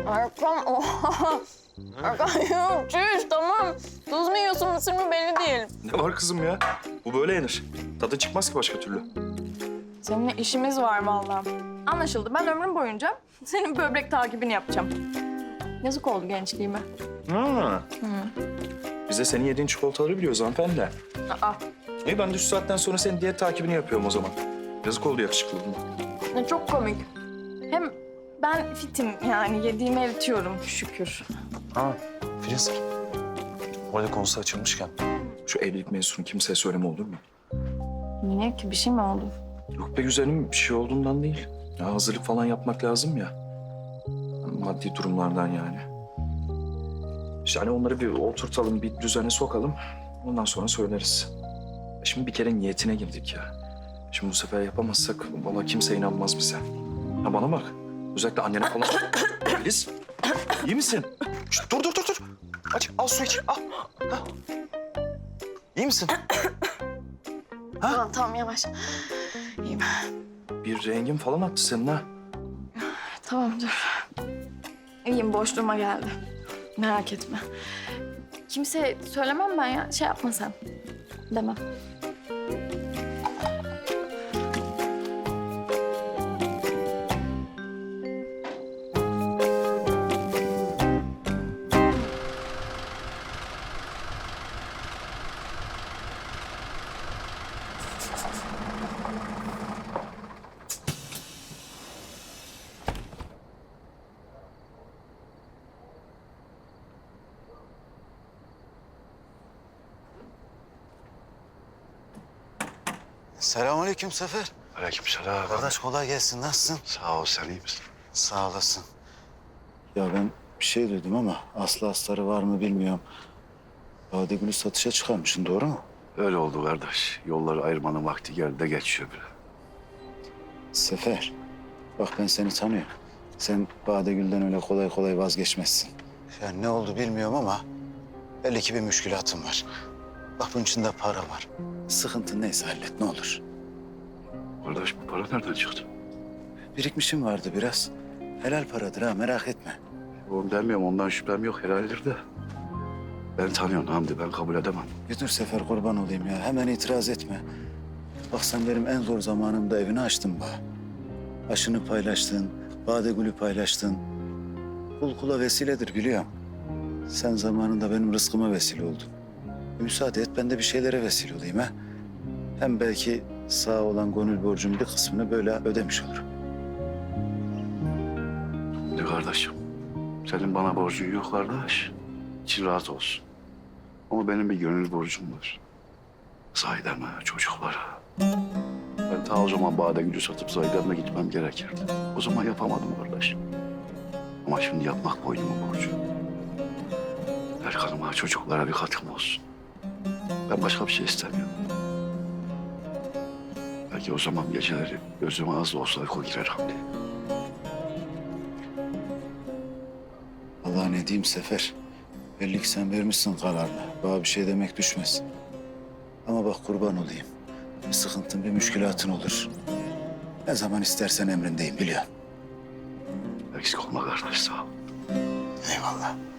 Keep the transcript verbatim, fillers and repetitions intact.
Erkan oha. Erkan yok çüş tamam. Tuz mu yiyorsun mısır mı belli değil. Ne var kızım ya? Bu böyle yenir. Tadı çıkmaz ki başka türlü. Seninle işimiz var vallahi. Anlaşıldı. Ben ömrüm boyunca senin böbrek takibini yapacağım. Yazık oldu gençliğime. Ha. Biz de senin yediğin çikolataları biliyoruz hanımefendi. Aa, İyi ben de şu saatten sonra senin diyet takibini yapıyorum o zaman. Yazık oldu yakışıklılığına. ne çok komik. Hem ben fitim yani yediğimi eritiyorum şükür. Ha Filiz. Orada konusu açılmışken şu evlilik mevzusunu kimseye söyleme olur mu? Niye ki bir şey mi oldu? Yok be güzelim bir şey olduğundan değil. Ya hazırlık falan yapmak lazım ya. Maddi durumlardan yani. İşte hani onları bir oturtalım, bir düzene sokalım. Ondan sonra söyleriz. Şimdi bir kere niyetine girdik ya. Şimdi bu sefer yapamazsak vallahi kimse inanmaz bize. Ha bana bak. Özellikle annene falan. Filiz, iyi misin? Şişt, dur dur dur dur. Aç, al su iç. Al. Ha. İyi misin? Tamam tamam yavaş. İyiyim. Bir rengin falan attı senin ha. Tamam dur. İyiyim boşluğuma geldi. Merak etme. Kimse söylemem ben ya. Şey yapma sen. Demem. Selamünaleyküm Sefer. Aleykümselam. Kardeş kolay gelsin. Nasılsın? Sağ ol, sen iyi misin? Sağ olasın. Ya ben bir şey duydum ama aslı astarı var mı bilmiyorum. Badegül'ü satışa çıkarmışsın, doğru mu? Öyle oldu kardeş. Yolları ayırmanın vakti geldi de geçiyor bile. Sefer, bak ben seni tanıyorum. Sen Badegül'den öyle kolay kolay vazgeçmezsin. Yani ne oldu bilmiyorum ama belli ki bir müşkülatın var. Bak bunun içinde para var. Sıkıntın neyse hallet ne olur. Kardeş bu para nereden çıktı? Birikmişim vardı biraz. Helal paradır ha, merak etme. Oğlum demiyorum, ondan şüphem yok, helaldir de. Ben tanıyorum Hamdi, ben kabul edemem. Bir dur Sefer, kurban olayım ya. Hemen itiraz etme. Bak sen benim en zor zamanımda evini açtın bana. Aşını paylaştın, Badegül'ü paylaştın. Kul kula vesiledir biliyorum. Sen zamanında benim rızkıma vesile oldun. E, müsaade et ben de bir şeylere vesile olayım ha. Hem belki sağ olan gönül borcumun bir kısmını böyle ödemiş olurum. Ne kardeşim? Senin bana borcun yok kardeş. İçin rahat olsun. Ama benim bir gönül borcum var. Zahidem'e, çocuklara. Ben ta o zaman Badegül'ü satıp Zahidem'e gitmem gerekirdi. O zaman yapamadım kardeş. Ama şimdi yapmak boynumun borcu. Erkan'ıma, çocuklara bir katkım olsun. Ben başka bir şey istemiyorum. Belki o zaman geceleri gözüme az da olsa uyku girer Hamdi. Allah ne diyeyim Sefer. Belli ki sen vermişsin kararını. Bana bir şey demek düşmez. Ama bak kurban olayım. Bir sıkıntın, bir müşkülatın olur. Ne zaman istersen emrindeyim biliyorum. Eksik olma kardeş, sağ ol. Eyvallah.